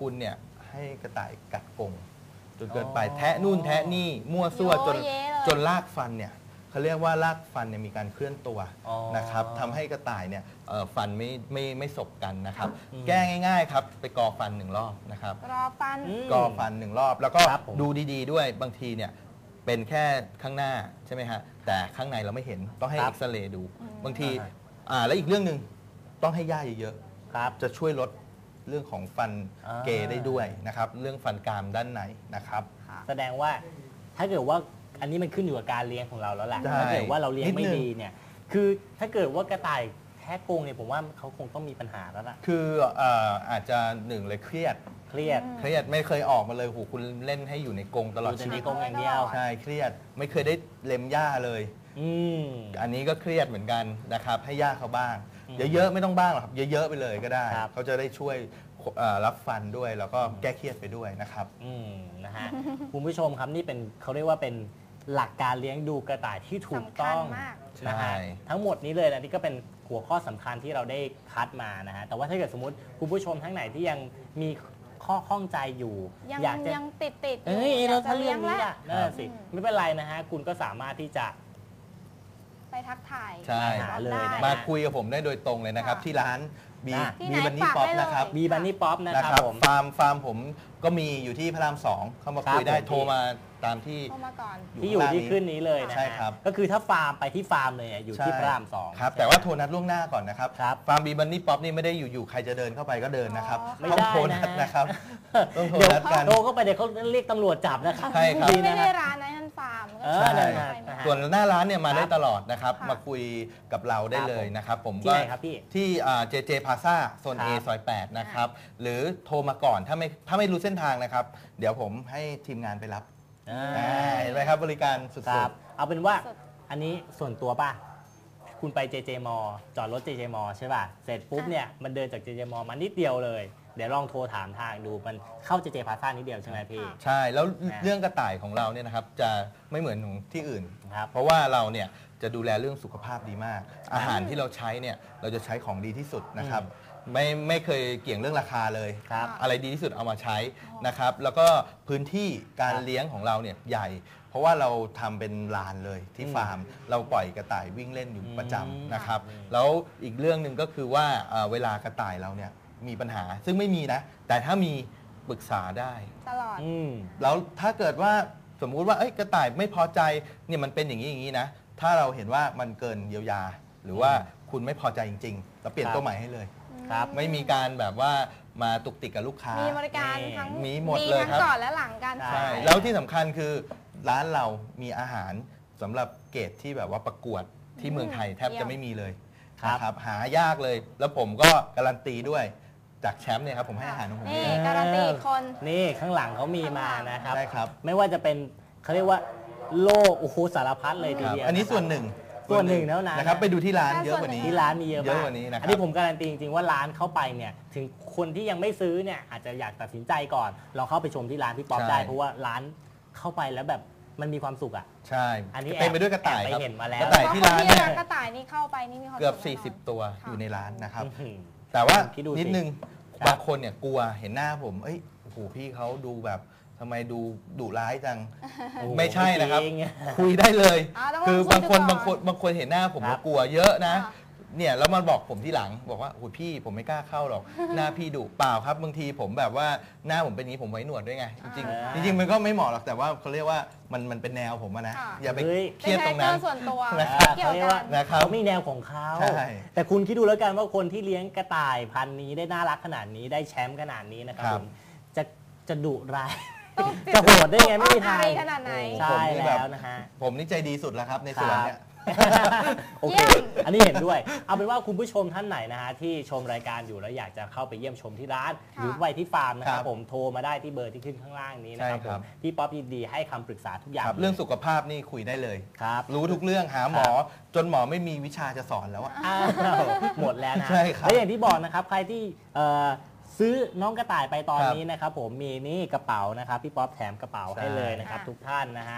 [SPEAKER 2] คุณเนี่ยให้กระต่ายกัดกรงจนเกินไป
[SPEAKER 1] อ๋อ
[SPEAKER 2] แทะนู่นแทะนี่มั่วซั่วจน
[SPEAKER 3] โยเยเลย
[SPEAKER 2] จนรากฟันเนี่ยเขาเรียกว่ารากฟันเนี่ยมีการเคลื่อนตัว
[SPEAKER 1] อ๋อ
[SPEAKER 2] นะครับทำให้กระต่ายเนี่ยเอ่อฟันไม่ไม่ไม่สบกันนะครับ
[SPEAKER 1] อืม
[SPEAKER 2] แก้ง่ายๆครับไปกอฟันหนึ่งรอบนะครับ
[SPEAKER 3] รอฟัน
[SPEAKER 1] อืม
[SPEAKER 2] กอฟันหนึ่งรอบ แล้วก็
[SPEAKER 1] ครับผม
[SPEAKER 2] ดูดีๆด้วยบางทีเนี่ยเป็นแค่ข้างหน้าใช่ไหมฮะแต่ข้างในเราไม่เห็นต้องให้
[SPEAKER 1] ครั
[SPEAKER 2] เอ็
[SPEAKER 1] บ
[SPEAKER 2] กซเรย์ดู
[SPEAKER 3] อืม
[SPEAKER 2] บางที
[SPEAKER 1] อ่าฮะ
[SPEAKER 2] อ่าแล้วอีกเรื่องหนึ่งต้องให้ย่าเยอะ
[SPEAKER 1] ครับ
[SPEAKER 2] ๆจะช่วยลดเรื่องของฟัน
[SPEAKER 1] อ่า
[SPEAKER 2] เกย์ได้ด้วยนะครับเรื่องฟันกรามด้านในนะครับ
[SPEAKER 1] แสดงว่าถ้าเกิดว่าอันนี้มันขึ้นอยู่กับการเลี้ยงของเราแล้วแหละ
[SPEAKER 2] ใช่
[SPEAKER 1] ถ้าเกิดว่าเราเลี้ยง
[SPEAKER 2] นิดนึ
[SPEAKER 1] ไม่
[SPEAKER 2] ง
[SPEAKER 1] ดีเนี่ยคือถ้าเกิดว่ากระต่ายแท้กรงเนี่ยผมว่าเขาคงต้องมีปัญหาแล้วล่ะ
[SPEAKER 2] คือเอ่ออาจจะหนึ่งเลยเครียด
[SPEAKER 1] เครียด
[SPEAKER 2] เครียดไม่เคยออกมาเลยโหคุณเล่นให้อยู่ในกรงตลอด
[SPEAKER 1] อยู่แต่
[SPEAKER 2] ชี
[SPEAKER 1] ใน
[SPEAKER 2] วิต
[SPEAKER 1] กรงอย่างเดียว
[SPEAKER 2] ใช่เครียดไม่เคยได้เล็มหญ้าเลย
[SPEAKER 1] อืม
[SPEAKER 2] อันนี้ก็เครียดเหมือนกันนะครับให้ย่าเขาบ้าง
[SPEAKER 1] อืม
[SPEAKER 2] เยอะๆไม่ต้องบ้างหรอกครับเยอะๆไปเลยก็ได้
[SPEAKER 1] ครับ
[SPEAKER 2] เขาจะได้ช่วยเอ่อรับฟันด้วยแล้วก็แก้เครียดไปด้วยนะครับ
[SPEAKER 1] อืมนะฮะ คุณผู้ชมครับนี่เป็นเขาเรียกว่าเป็นหลักการเลี้ยงดูกระต่ายที่ถูกต้อง
[SPEAKER 3] สำคัญมาก
[SPEAKER 1] นะฮะ
[SPEAKER 2] ใช่
[SPEAKER 1] ทั้งหมดนี้เลยนะนี่ก็เป็นหัวข้อสำคัญที่เราได้คัดมานะฮะแต่ว่าถ้าเกิดสมมติคุณผู้ชมทั้งไหนที่ยังมีข้อข้องใจอยู่
[SPEAKER 3] ยัง
[SPEAKER 1] อยากจะ
[SPEAKER 3] ยังติดติดๆ
[SPEAKER 1] เอ้ย
[SPEAKER 3] อย
[SPEAKER 1] เรา
[SPEAKER 3] กจะ
[SPEAKER 1] ถ้าเรื่องนี้
[SPEAKER 3] แล้
[SPEAKER 1] ล่ะ
[SPEAKER 3] ว
[SPEAKER 1] นั่นนะสิ
[SPEAKER 3] อืม
[SPEAKER 1] ไม่เป็นไรนะฮะคุณก็สามารถที่จะ
[SPEAKER 3] ไปทักทาย
[SPEAKER 2] ใช่
[SPEAKER 1] หาเลยนะ
[SPEAKER 2] มาคุยกับผมได้โดยตรงเลยนะครับ
[SPEAKER 3] ค่ะ
[SPEAKER 2] ที่ร้านบี
[SPEAKER 1] อ่ะ
[SPEAKER 3] ที่ไหน
[SPEAKER 2] บีบันนี่
[SPEAKER 3] ฝาก
[SPEAKER 2] ป๊อป
[SPEAKER 3] ได้เลย
[SPEAKER 2] นะครับ
[SPEAKER 1] บีบันนี่ป๊อปนะ
[SPEAKER 2] นะ
[SPEAKER 1] ค
[SPEAKER 2] ค
[SPEAKER 1] รั
[SPEAKER 2] รั
[SPEAKER 1] บบ ผม
[SPEAKER 2] ฟาร์มฟาร์มผมก็มีอยู่ที่พระรามสองเข้ามา
[SPEAKER 1] ครับ
[SPEAKER 2] คุยได้
[SPEAKER 1] ผม
[SPEAKER 2] โทรมาตามที่
[SPEAKER 3] เข้ามาก่อน
[SPEAKER 1] ที่อยู่ที่ขึ้นนี้เลยนะ
[SPEAKER 2] ใช่
[SPEAKER 1] ฮะ
[SPEAKER 2] ครับ
[SPEAKER 1] ก็คือถ้าฟาร์มไปที่ฟาร์มเลยอ่ะอยู่ที่พระรามสอง
[SPEAKER 2] ครับ
[SPEAKER 1] ใช่
[SPEAKER 2] แต่
[SPEAKER 1] ไหม
[SPEAKER 2] ว่าโทรนัดล่วงหน้าก่อนนะครับ
[SPEAKER 1] ครับ
[SPEAKER 2] ฟาร์มบีบันนี่ป๊อปนี่ไม่ได้อยู่ๆใครจะเดินเข้าไปก็เดินนะครับ
[SPEAKER 3] อ๋อ
[SPEAKER 1] ไม่
[SPEAKER 2] ต้อง
[SPEAKER 1] ได้
[SPEAKER 2] โทรนัด
[SPEAKER 1] นะ
[SPEAKER 2] นะครับต้องโทร
[SPEAKER 1] เดี๋ยว
[SPEAKER 2] นัดกัน
[SPEAKER 1] โทรเข้าไปเดี๋ยวเขาเรียกตำรวจจับนะครับ
[SPEAKER 2] ใช่ครับ
[SPEAKER 1] ดี
[SPEAKER 3] ไม่
[SPEAKER 1] นะ
[SPEAKER 3] ได้
[SPEAKER 1] ฮะ
[SPEAKER 3] ร้านนะนั่นฟาร์มก็
[SPEAKER 1] เออ
[SPEAKER 3] ใช่
[SPEAKER 1] นั่น
[SPEAKER 3] ใช่
[SPEAKER 1] น่ะ
[SPEAKER 3] ไหม
[SPEAKER 2] ส่วนหน้าร้านเนี่ยมาได้
[SPEAKER 1] ครับ
[SPEAKER 2] ตลอดนะครับ
[SPEAKER 3] ค่ะ
[SPEAKER 2] มาคุยกับเราได้เลยนะครับผม
[SPEAKER 1] ที่ไหนครับพี่
[SPEAKER 2] ที่เจเจพาซ่าโซน
[SPEAKER 1] ค
[SPEAKER 2] A
[SPEAKER 1] รับ
[SPEAKER 2] ซอยแปดนะครับหรือโทรมาก่อนถ้าไม่ถ้าไม่รู้เส้นทางนะครับ เดี๋ยวผมให้ทีมงานไปรับ
[SPEAKER 1] อ่า
[SPEAKER 2] อ่าเห็นไหมครับบริการสุด
[SPEAKER 1] ครับ
[SPEAKER 2] ๆ
[SPEAKER 1] เอาเป็นว่า
[SPEAKER 3] สุด
[SPEAKER 1] อันนี้ส่วนตัวป่ะ คุณไป เจ เจ มอ จอดรถ เจ เจ มอ ใช่ป่ะ เสร็จปุ๊บเนี่ยมันเดินจาก เจ เจ มอ มานิดเดียวเลย เดี๋ยวลองโทรถามทางดูมันเข้า เจ เจ พาซ่านิดเดียวใช่ไหมพี่
[SPEAKER 2] ใช่แล้ว
[SPEAKER 1] อ่า
[SPEAKER 2] เรื่องกระต่ายของเราเนี่ยนะครับจะไม่เหมือนของที่อื่น
[SPEAKER 1] ครับ
[SPEAKER 2] เพราะว่าเราเนี่ยจะดูแลเรื่องสุขภาพดีมาก อาหารที่เราใช้เนี่ยเราจะใช้ของดีที่สุดนะครับไม่ไม่เคยเกี่ยงเรื่องราคาเลย
[SPEAKER 1] ครับ
[SPEAKER 2] อะไรดีที่สุดเอามาใช้นะครับ แล้วก็พื้นที่การ
[SPEAKER 1] ครับ
[SPEAKER 2] เลี้ยงของเราเนี่ยใหญ่ เพราะว่าเราทำเป็นลานเลยที่
[SPEAKER 1] อืม
[SPEAKER 2] ฟาร์ม เราปล่อยกระต่ายวิ่งเล่นอยู่ประจำ
[SPEAKER 1] อืม
[SPEAKER 2] นะครับ
[SPEAKER 1] อืม
[SPEAKER 2] แล้วอีกเรื่องหนึ่งก็คือว่าเอ่อเวลากระต่ายเราเนี่ยมีปัญหาซึ่งไม่มีนะ แต่ถ้ามีปรึกษาได้
[SPEAKER 3] ตลอด
[SPEAKER 1] อืม
[SPEAKER 2] แล้วถ้าเกิดว่าสมมุติว่าเอ้ยกระต่ายไม่พอใจเนี่ยมันเป็นอย่างนี้อย่างนี้นะ ถ้าเราเห็นว่ามันเกินเยียวยา หรือว่าคุณไม่พอใจจริงๆเราเปลี่ยน
[SPEAKER 1] ครับ
[SPEAKER 2] ตัวใหม่ให้เลย
[SPEAKER 1] ครับ
[SPEAKER 2] ไม่มีการแบบว่ามาตุกติกกับลูกค้า
[SPEAKER 3] มีบริการ
[SPEAKER 1] นี่
[SPEAKER 3] ทั้ง
[SPEAKER 2] มีหมดเลยครับ
[SPEAKER 3] ทั้งก่อนและหลังการ
[SPEAKER 1] ใช่
[SPEAKER 2] ใช่
[SPEAKER 3] ขาย
[SPEAKER 2] แล้วที่สำคัญคือร้านเรามีอาหารสำหรับเกรดที่แบบว่าประกวดที่เมืองไทยแทบจะไม่มีเลย
[SPEAKER 1] ครับ
[SPEAKER 2] นะครับหายากเลย แล้วผมก็การันตีด้วยจากแชมป์เนี่ยครับผมให้อาหารของผม
[SPEAKER 3] นี่
[SPEAKER 2] เอง
[SPEAKER 3] การันตีอีกคน
[SPEAKER 1] นี่ข้างหลังเขามีมานะครับ
[SPEAKER 2] ใช่ครับ
[SPEAKER 1] ไม่ว่าจะเป็นเขาเรียกว่าโลกโอ้โหสารพัดเลยที
[SPEAKER 2] ครับ
[SPEAKER 1] เดียว
[SPEAKER 2] อันนี้
[SPEAKER 1] ะครับ
[SPEAKER 2] ส่วนหนึ่ง
[SPEAKER 1] ส่วนหนึ่งเท่านั้น
[SPEAKER 2] นะครับ
[SPEAKER 1] นะ
[SPEAKER 2] ไปดูที่ร้าน
[SPEAKER 3] แค่
[SPEAKER 2] เยอะกว่านี้
[SPEAKER 1] ที่ร้านมีเยอะ
[SPEAKER 2] เย
[SPEAKER 1] มา
[SPEAKER 2] อะ
[SPEAKER 1] ก
[SPEAKER 2] กว่านี้นะครับ
[SPEAKER 1] อันนี้ผมการันตีจริงๆว่าร้านเข้าไปเนี่ยถึงคนที่ยังไม่ซื้อเนี่ยอาจจะอยากตัดสินใจก่อนลองเข้าไปชมที่ร้านพี่ป๊อป
[SPEAKER 2] ใช่
[SPEAKER 1] ได้เพราะว่าร้านเข้าไปแล้วแบบมันมีความสุขอ่ะ
[SPEAKER 2] ใช่
[SPEAKER 1] อันนี้
[SPEAKER 2] เต็มไปด้วยกระต่าย
[SPEAKER 1] แอบ
[SPEAKER 2] ครับ
[SPEAKER 1] ไปเห็นมาแล้ว
[SPEAKER 2] กระต่ายที่ร้าน
[SPEAKER 3] เพ
[SPEAKER 2] เนี่ย
[SPEAKER 3] ะคนที่รักกระต่ายนี่เข้าไปนี่มีความ
[SPEAKER 2] เกือบ
[SPEAKER 3] สุข
[SPEAKER 2] สี่สิบ
[SPEAKER 3] แน่นอน
[SPEAKER 2] ตัว
[SPEAKER 3] ค่ะ
[SPEAKER 2] อยู่ในร้านนะครับ
[SPEAKER 1] อื้อหือ
[SPEAKER 2] แต่ว่า
[SPEAKER 1] คิดดูสิ
[SPEAKER 2] นิดนึง
[SPEAKER 1] ครับ
[SPEAKER 2] บางคนเนี่ยกลัวเห็นหน้าผมเอ้ยโอ้โหพี่เขาดูแบบทำไมดูดุร้ายจัง
[SPEAKER 1] โอ้โห
[SPEAKER 2] ไม่ใช่นะครับ
[SPEAKER 1] จง
[SPEAKER 2] คุยได้เลย
[SPEAKER 3] อ่าต้อง
[SPEAKER 2] คือ
[SPEAKER 3] ลองคุย
[SPEAKER 2] บางคน
[SPEAKER 3] ดูก่อน
[SPEAKER 2] บางคนบางคนเห็นหน้าผม
[SPEAKER 1] ครั
[SPEAKER 2] ก็
[SPEAKER 1] บ
[SPEAKER 2] กลัวเยอะนะ
[SPEAKER 3] ค่ะ
[SPEAKER 2] เนี่ยแล้วมันบอกผมที่หลังบอกว่าโอ้ยพี่ผมไม่กล้าเข้าหรอก หน้าพี่ดุเปล่าครับบางทีผมแบบว่าหน้าผมเป็นอย่างนี้ผมไว้หนวดด้วยไงจริง
[SPEAKER 1] อ่า
[SPEAKER 2] ๆจริงๆมันก็ไม่เหมาะหรอกแต่ว่าเขาเรียกว่ามันมันเป็นแนวผมอะนะ
[SPEAKER 3] ค่ะ
[SPEAKER 2] อย่าไป
[SPEAKER 1] เฮ้ย
[SPEAKER 2] เครียดตรงนั้น
[SPEAKER 3] เป็นคาแรคเตอร์ส่วนตัว
[SPEAKER 2] นะครับ
[SPEAKER 3] เกี่ยว
[SPEAKER 1] เขาเรียก
[SPEAKER 3] กั
[SPEAKER 1] ว่า
[SPEAKER 3] น
[SPEAKER 2] นะครับ
[SPEAKER 1] เขามีแนวของเขา
[SPEAKER 2] ใช่
[SPEAKER 1] แต่คุณคิดดูแล้วกันว่าคนที่เลี้ยงกระต่ายพันธุ์นี้ได้น่ารักขนาดนี้ได้แชมป์ขนาดนี้นะครับ
[SPEAKER 2] ครั
[SPEAKER 1] ผ
[SPEAKER 2] บ
[SPEAKER 1] มจะจะดุร้าย
[SPEAKER 3] ต้อง
[SPEAKER 1] จะโหดได้ไงไม่มีทาง
[SPEAKER 3] อายขนาดไหน
[SPEAKER 2] โอ้
[SPEAKER 1] ใช่
[SPEAKER 2] ผมนี่แบบ
[SPEAKER 1] แล้วนะฮะ
[SPEAKER 2] ผมนี่ใจดีสุดแล้วครับในสวนเนี่ย
[SPEAKER 1] โอเค
[SPEAKER 3] เยี่ยม
[SPEAKER 1] อันนี้เห็นด้วย เอาเป็นว่าคุณผู้ชมท่านไหนนะฮะที่ชมรายการอยู่แล้วอยากจะเข้าไปเยี่ยมชมที่ร้าน
[SPEAKER 3] ค่ะ
[SPEAKER 1] หรือไปที่ฟาร์มนะค
[SPEAKER 2] ค
[SPEAKER 1] รั
[SPEAKER 2] รั
[SPEAKER 1] บบ ผมโทรมาได้ที่เบอร์ที่ขึ้นข้างล่างนี้นะครับ
[SPEAKER 2] ใช่
[SPEAKER 1] ผ
[SPEAKER 2] ครั
[SPEAKER 1] ม
[SPEAKER 2] บ
[SPEAKER 1] พี่ป๊อปยินดีให้คำปรึกษาทุกอย่าง
[SPEAKER 2] ครับเรื่องสุขภาพนี่คุยได้เลย
[SPEAKER 1] ครับ
[SPEAKER 2] รู้ทุกเรื่องหาหมอ จนหมอไม่มีวิชาจะสอนแล้วอะ
[SPEAKER 1] อ้าวหมดแล้วนะ
[SPEAKER 2] ใช่ครับ
[SPEAKER 1] และอย่างที่บอกนะครับใครที่เอ่อซื้อน้องกระต่ายไปตอน
[SPEAKER 2] ครับ
[SPEAKER 1] นี้นะครับผมมีนี่กระเป๋านะครับพี่ป๊อปแถมกระเป๋าให้
[SPEAKER 2] ใช่
[SPEAKER 1] เลยนะครับ
[SPEAKER 3] ค่ะ
[SPEAKER 1] ทุกท่านนะฮะ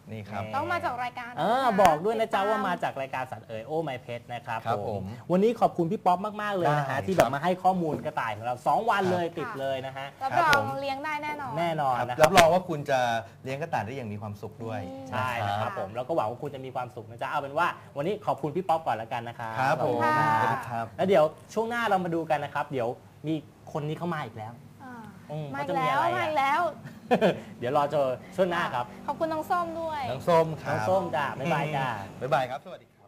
[SPEAKER 2] นี่ครับ
[SPEAKER 3] ต้องมาจากรายการ
[SPEAKER 1] เออ
[SPEAKER 3] นะคะ
[SPEAKER 1] บอกด้วยนะจ๊ะ
[SPEAKER 3] ติต
[SPEAKER 1] ว่ามาจากรายการสัตว์เอ๋ยโอ้ไมเพชรนะครับ
[SPEAKER 2] ครับ
[SPEAKER 1] ผ
[SPEAKER 2] ผม ม
[SPEAKER 1] วันนี้ขอบคุณพี่ป๊อปมาก ๆ เลยนะ
[SPEAKER 2] ได้
[SPEAKER 1] ฮะที่
[SPEAKER 2] ค
[SPEAKER 1] แบ
[SPEAKER 2] รั
[SPEAKER 1] บบ มาให้ข้อมูลกระต่ายของเราสองวันเลยติด
[SPEAKER 3] ค่ะ
[SPEAKER 1] เลยนะฮะ
[SPEAKER 3] รับ
[SPEAKER 2] ครับ
[SPEAKER 3] ร
[SPEAKER 2] ผ
[SPEAKER 3] อง
[SPEAKER 2] ม
[SPEAKER 3] เลี้ยงได้แน่นอน
[SPEAKER 1] แน่นอน
[SPEAKER 2] ครับ
[SPEAKER 1] นะค
[SPEAKER 2] รั
[SPEAKER 1] รั
[SPEAKER 2] บบ รองว่าคุณจะเลี้ยงกระต่ายได้อย่างมีความสุขด้วย
[SPEAKER 3] อืม
[SPEAKER 1] ใช่นะครับผมแล้วก็หวังว่าคุณจะมีความสุขนะจ๊ะเอาเป็นว่าวันนี้ขอบคุณพี่ป๊อปก่อนแล้วกันนะครับ
[SPEAKER 2] ครับ
[SPEAKER 1] ขอ
[SPEAKER 2] ผ
[SPEAKER 1] ณ
[SPEAKER 2] ม
[SPEAKER 3] ค่ะ
[SPEAKER 2] สวัสดีครับ
[SPEAKER 1] แล้วเดี๋ยวช่วงหน้าเรามาดูกันนะครับ เดี๋ยวมีคนนี้เข้ามาอีกแล้ว
[SPEAKER 3] อ่า
[SPEAKER 1] อืม
[SPEAKER 3] มา
[SPEAKER 1] เขา
[SPEAKER 3] อี
[SPEAKER 1] จะ
[SPEAKER 3] ก
[SPEAKER 1] มี
[SPEAKER 3] แล้ว
[SPEAKER 1] อะไรอ่ะ
[SPEAKER 3] มาอีกแล้ว
[SPEAKER 1] เดี๋ยวรอเจอช่วงหน้าครับ
[SPEAKER 3] ขอบคุณน้องส้มด้วย
[SPEAKER 2] น้องส้มค
[SPEAKER 1] น้
[SPEAKER 2] รั
[SPEAKER 1] อบ งส้มจ้าบ๊ายบายจ้า
[SPEAKER 2] บ๊ายบายครับ สวัสดีครับ